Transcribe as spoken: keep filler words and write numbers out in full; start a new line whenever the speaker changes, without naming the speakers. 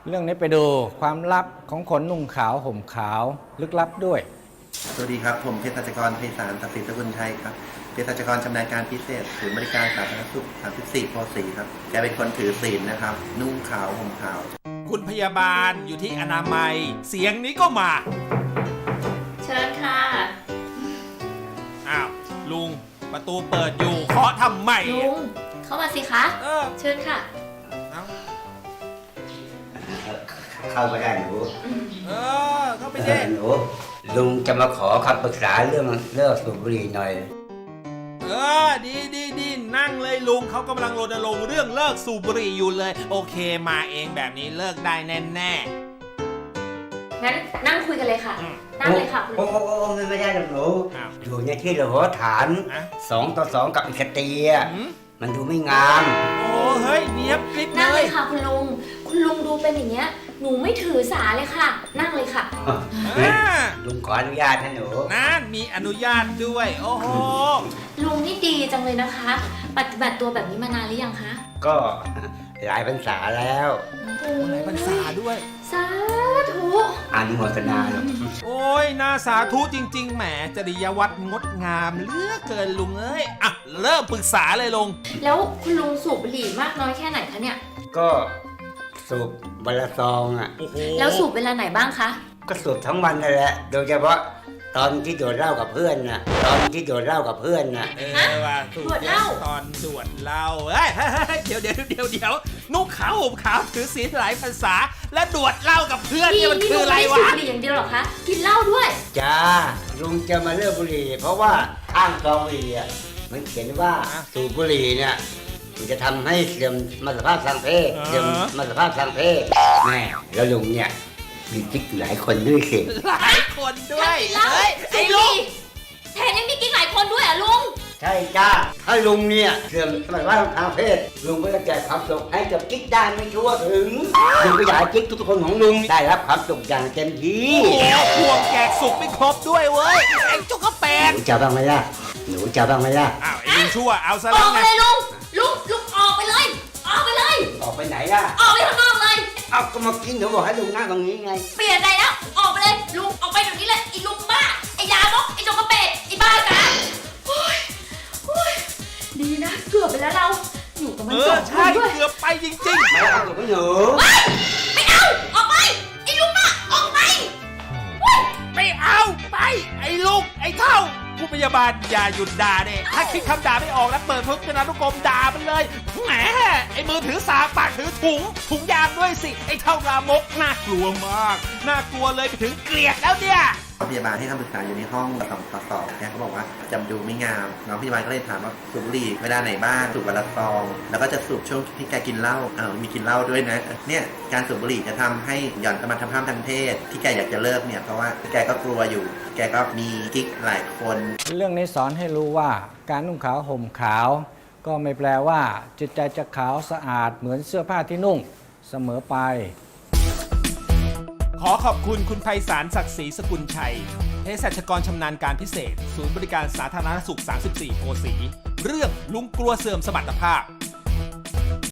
เรื่องนี้ไปดูความลับของคนนุ่งขาวห่มขาวลึกลับด้วย
สวัสดีครับผมเภสัชกรไพศาล ศักดิ์สิทธิ์สกุลชัยครับเภสัชกรชำนาญการพิเศษศูนย์บริการสาธารณสุขสามสิบสี่โพสีครับแกเป็นคนถือศีลนะครับนุ่งขาวห่มขาว
คุณพยาบาลอยู่ที่อนามัยเสียงนี้ก็มา
เชิญค่ะ
อ้าวลุงประตูเปิดอยู่เคาะทำไม
ลุงเข้ามาสิคะเออเชิญค่ะ
เข้ามาได้หนู
เออเข้าไปได้
หนูลุงจะมาขอคำปรึกษาเรื่องเลิกสูบบุหรี่หน่อย
เออดีดีดีนั่งเลยลุงเขากำลังรณรงค์เรื่องเลิกสูบบุหรี่อยู่เลยโอเคมาเองแบบนี้เลิกได้แน่แน่
งั้นนั่งคุยกันเลยค่ะนั่งเลยค่ะ
โอ้โอ้ไม่ไม่ได้หรอกหนูอยู่ในที่เราฐานสองต่อสองกับอีกตีมันดูไม่งาม
โอ้เฮ้ยเนี้ยคลิป
นั่งเลยค่ะคุณลุงคุณลุงดูเป็นอย่างเงี้ยหนูไม่ถือสาเลยค่ะนั่งเลยค่ะ
ลุงขออนุญาตนะหนู
นั่นมีอนุญาตด้วยโอ้โห
ลุงนี่ดีจังเลยนะคะปฏิบัติตัวแบบนี้มานานหรือยังคะ
ก็หลายพรรษาแล้ว
โอ้หลายพรรษาด้วย
สาธุ
อนุโมทนาหรอก
โอ้ยน่าสาธุจริงๆแหมจริยวัตรงดงามเหลือเกินลุงเอ้ยอ่ะเริ่มปรึกษาเลยลุง
แล้วคุณลุงสูบบุหรี่มากน้อยแค่ไหนคะเนี่ย
ก็สูบวันละซองอ่ะ
แล้วสูบเวลาไหนบ้างคะ
ก็สูบทั้งวันนั่นแหละโดยเฉพาะตอนที่โดดเหล้ากับเพื่อนน่ะตอนที่โดดเหล้ากับเพื่อนน่ะ
เออว่าสูบเหล้าตอนโดดเหล้าเฮ้ยเดี๋ยวเดี๋ยวเดี๋ยวเดี๋ยวนุ่งขาวห่มขาวถือศีลหลายภาษาและโดดเหล้ากับเพื่อนนี่มันคืออะไรวะ
นี่ลุงไม่สูบบุหรี่อย่างเดียวหรอคะกินเหล้าด้วย
จ้าลุงจะมาเลิกบุหรี่เพราะว่าข้างซองบุหรี่อ่ะมันเขียนว่าสูบบุหรี่เนี่ยมันจะทำให้เสื่อมมรรคภาพทางเพศเสื่อมมรรคภาพทางเพศแม่แล้วลุงเนี่ยมีกิ๊กหลายคนด้วยสิ
หลายคนด้วย
เฮ้ยไอ้ลุงแทนยังมีกิ๊กหลายคนด้วยอ่ะลุง
ใช่จ้าถ้าลุงเนี่ยเสื่อมมรรคภาพทางเพศลุงก็จะแจกความสุขให้กับกิ๊กได้ไม่ทั่วถึงลุงก็อยากให้กิ๊กทุกคนของลุงได้รับความสุขอย่างเต็มที่
แล้วพวงแจกสุขไม่ครบด้วยเว้ยไอ้จุกกระแปง
หนูจะบ้างไหมล่ะหนูจะบ้างไหมล่ะ
อ้าวไอ้ลุงชั่วเอาซะ
แล้วไงออกไปเลยลุงลุงลุงออกไปเลยออกไปเลย
ออกไปไหนล่ะ
ออกไปข้างนอกเลย
เอาก็มากินเดี๋ยวบอกให้ลุงนั่งตรงนี้ไง
เปลี่ยนใจแล้วออกไปเลยลุงออกไปเดี๋ยวนี้เลยไอ้ลุงบ้าไอ้ยาบกไอ้จงกระเป็ดไอ้บ้ากาโอ้ยโอ้ยดีนะเกือบไปแล้วเราอยู่กับมันสองคนด้วย
เกือบไปจริงๆ
ไม่เอาไม่หนู
ไม่เอาออกไปไอ้ลุงบ้าออกไป
ไม่เอาไปไอ้ลุงไอ้เท่าผู้พยาบาลอย่าหยุดด่าเนี่ยถ้าคิดคำด่าไม่ออกแล้วเปิดพจนานุกรมด่ามันเลยแหมไอ้มือถือสากปากถือถุงถุงยางด้วยสิไอ้เท่ารามกน่ากลัวมากน่ากลัวเลยไปถึงเกลียดแล้วเนี่ย
พยาบาลให้คำปรึกษาอยู่ในห้องสองต่อสองแกเขาบอกว่าจำดูไม่งามน้องพยาบาลก็เลยถามว่าสูบบุหรี่เวลาไหนบ้างสูบวันละซองแล้วก็จะสูบช่วงที่แกกินเหล้าเออมีกินเหล้าด้วยนะเนี่ยการสูบบุหรี่จะทำให้หย่อนสมรรถภาพทางเพศที่แกอยากจะเลิกเนี่ยเพราะว่าแกก็กลัวอยู่แกก็มีกิ๊กหลายคน
เรื่องนี้สอนให้รู้ว่าการนุ่งขาวห่มขาวก็ไม่แปลว่าจิตใจจะขาวสะอาดเหมือนเสื้อผ้าที่นุ่งเสมอไป
ขอขอบคุณคุณไพศาล ศักดิ์ศรีสกุลชัยเภสัชกรชำนาญการพิเศษศูนย์บริการสาธารณสุขสามสิบสี่โพสีเรื่องลุงกลัวเสื่อมสมรรถภาพ